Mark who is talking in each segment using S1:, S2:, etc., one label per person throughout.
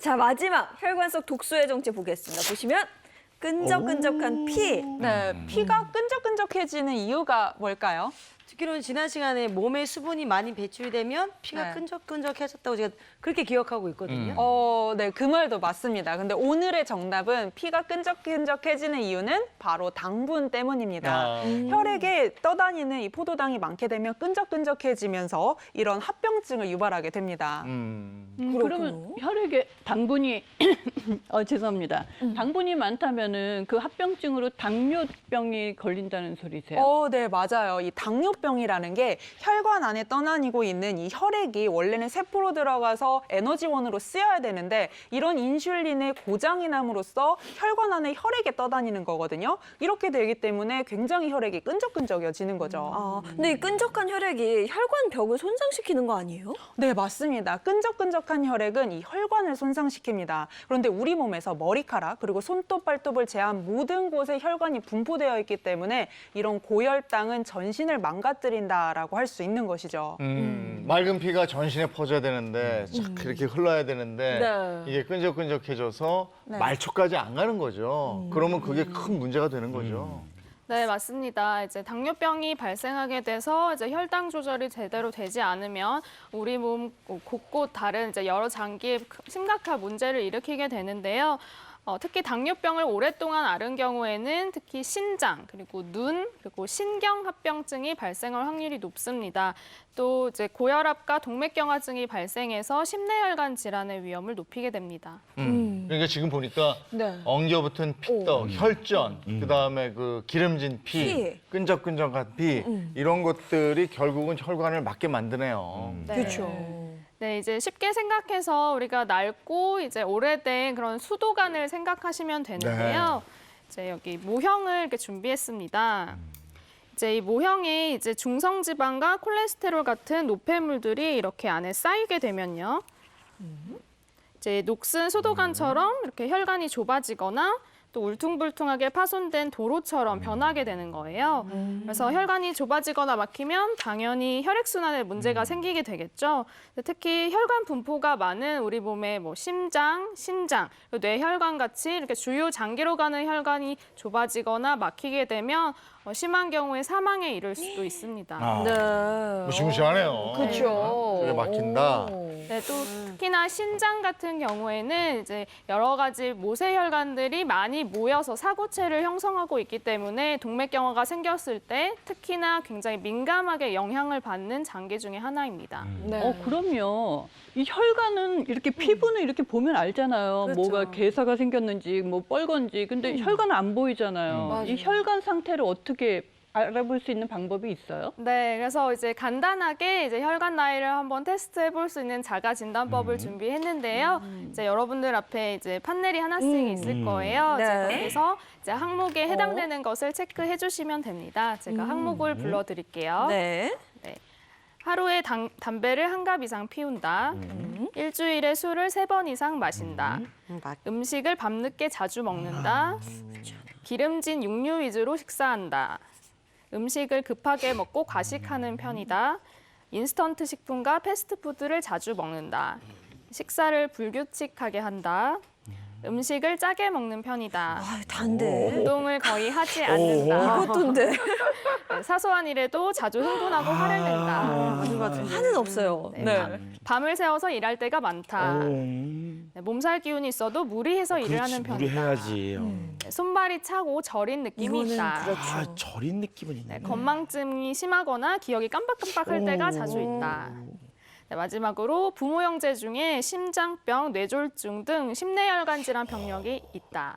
S1: 자, 마지막 혈관 속 독소의 정체 보겠습니다. 보시면 끈적끈적한 피.
S2: 네, 피가 끈적끈적해지는 이유가 뭘까요?
S3: 듣기로는 지난 시간에 몸에 수분이 많이 배출되면 피가
S2: 네.
S3: 끈적끈적해졌다고 제가 그렇게 기억하고 있거든요.
S2: 네, 그 말도 맞습니다. 근데 오늘의 정답은 피가 끈적끈적해지는 이유는 바로 당분 때문입니다. 혈액에 떠다니는 이 포도당이 많게 되면 끈적끈적해지면서 이런 합병증을 유발하게 됩니다.
S4: 그러면 혈액에 당분이 죄송합니다. 당분이 많다면은 그 합병증으로 당뇨병이 걸린다는 소리세요?
S2: 네, 맞아요. 이 당뇨병이라는 게 혈관 안에 떠다니고 있는 이 혈액이 원래는 세포로 들어가서 에너지원으로 쓰여야 되는데 이런 인슐린의 고장이 남으로써 혈관 안에 혈액에 떠다니는 거거든요. 이렇게 되기 때문에 굉장히 혈액이 끈적끈적해지는 거죠.
S1: 아, 근데 이 끈적한 혈액이 혈관 벽을 손상시키는 거 아니에요?
S2: 네, 맞습니다. 끈적끈적한 혈액은 이 혈관을 손상시킵니다. 그런데 우리 몸에서 머리카락 그리고 손톱, 발톱을 제한 모든 곳에 혈관이 분포되어 있기 때문에 이런 고혈당은 전신을 망가뜨린다라고 할 수 있는 것이죠.
S5: 맑은 피가 전신에 퍼져야 되는데 착 이렇게 흘러야 되는데
S1: 네.
S5: 이게 끈적끈적해져서 말초까지 안 가는 거죠. 그러면 그게 큰 문제가 되는 거죠.
S6: 네, 맞습니다. 이제 당뇨병이 발생하게 돼서 이제 혈당 조절이 제대로 되지 않으면 우리 몸 곳곳 다른 이제 여러 장기에 심각한 문제를 일으키게 되는데요. 특히 당뇨병을 오랫동안 앓은 경우에는 특히 신장, 그리고 눈, 그리고 신경합병증이 발생할 확률이 높습니다. 또 이제 고혈압과 동맥경화증이 발생해서 심내혈관 질환의 위험을 높이게 됩니다.
S5: 그러니까 지금 보니까 엉겨붙은 피떡, 혈전, 그다음에 그 기름진 피, 끈적끈적한 피 이런 것들이 결국은 혈관을 막게 만드네요.
S6: 네.
S1: 그렇죠.
S6: 네, 이제 쉽게 생각해서 우리가 낡고 이제 오래된 그런 수도관을 생각하시면 되는데요. 이제 여기 모형을 이렇게 준비했습니다. 이제 이 모형에 이제 중성지방과 콜레스테롤 같은 노폐물들이 이렇게 안에 쌓이게 되면요. 이제 녹슨 수도관처럼 이렇게 혈관이 좁아지거나 또 울퉁불퉁하게 파손된 도로처럼 변하게 되는 거예요. 그래서 혈관이 좁아지거나 막히면 당연히 혈액순환에 문제가 생기게 되겠죠. 특히 혈관 분포가 많은 우리 몸의 뭐 심장, 신장, 뇌혈관 같이 이렇게 주요 장기로 가는 혈관이 좁아지거나 막히게 되면 심한 경우에 사망에 이를 수도 있습니다.
S1: 네.
S5: 무시무시하네요.
S1: 그렇죠.
S5: 그게 막힌다.
S6: 네, 또 특히나 신장 같은 경우에는 이제 여러 가지 모세혈관들이 많이 모여서 사고체를 형성하고 있기 때문에 동맥경화가 생겼을 때 특히나 굉장히 민감하게 영향을 받는 장기 중에 하나입니다.
S1: 네.
S4: 그럼요. 이 혈관은 이렇게 피부는 이렇게 보면 알잖아요.
S1: 그렇죠.
S4: 뭐가 괴사가 생겼는지, 뭐 뻘건지. 근데 혈관은 안 보이잖아요.
S1: 맞아요.
S4: 이 혈관 상태를 어떻게 알아볼 수 있는 방법이 있어요?
S6: 네, 그래서 이제 간단하게 이제 혈관 나이를 한번 테스트해 볼 수 있는 자가 진단법을 준비했는데요. 이제 여러분들 앞에 이제 판넬이 하나씩 있을 거예요.
S1: 네.
S6: 제가 거기서 이제 항목에 해당되는 것을 체크해 주시면 됩니다. 제가 항목을 불러 드릴게요.
S1: 네.
S6: 하루에 담배를 한 갑 이상 피운다. 일주일에 술을 3번 이상 마신다. 음식을 밤늦게 자주 먹는다. 기름진 육류 위주로 식사한다. 음식을 급하게 먹고 과식하는 편이다. 인스턴트 식품과 패스트푸드를 자주 먹는다. 식사를 불규칙하게 한다. 음식을 짜게 먹는 편이다.
S1: 아, 단데.
S6: 운동을 거의 하지 않는다.
S1: 이것도인데.
S6: 네, 사소한 일에도 자주 흥분하고 화를 낸다.
S1: 하는 없어요.
S6: 네, 밤을 새워서 일할 때가 많다. 네, 몸살 기운이 있어도 무리해서 일을 하는 편이다.
S7: 무리해야지.
S6: 네, 손발이 차고 저린 느낌이
S1: 이거는
S6: 있다.
S1: 그렇죠.
S7: 저린 느낌은 있네.
S6: 네, 건망증이 심하거나 기억이 깜빡깜빡할 때가 자주 있다. 네, 마지막으로 부모 형제 중에 심장병, 뇌졸중 등 심내혈관 질환 병력이 있다.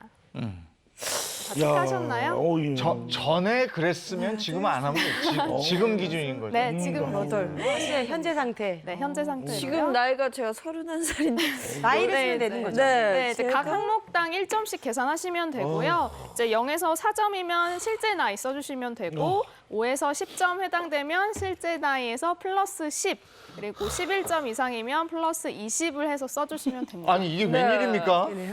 S6: 다 체크하셨나요?
S5: 전에 그랬으면 지금 안 하면 지금 기준인 거죠.
S6: 네, 지금
S3: 현재 상태.
S6: 네, 현재 상태.
S1: 지금 나이가 제가 31살인데.
S3: 나이를
S6: 네,
S3: 쓰면 되는 거죠.
S6: 네, 이제 각
S1: 제가-
S6: 항목당 1점씩 계산하시면 되고요. 이제 0에서 4점이면 실제 나이 써주시면 되고 5에서 10점 해당되면 실제 나이에서 플러스 10, 그리고 11점 이상이면 플러스 20을 해서 써주시면 됩니다.
S5: 아니 이게 웬일입니까?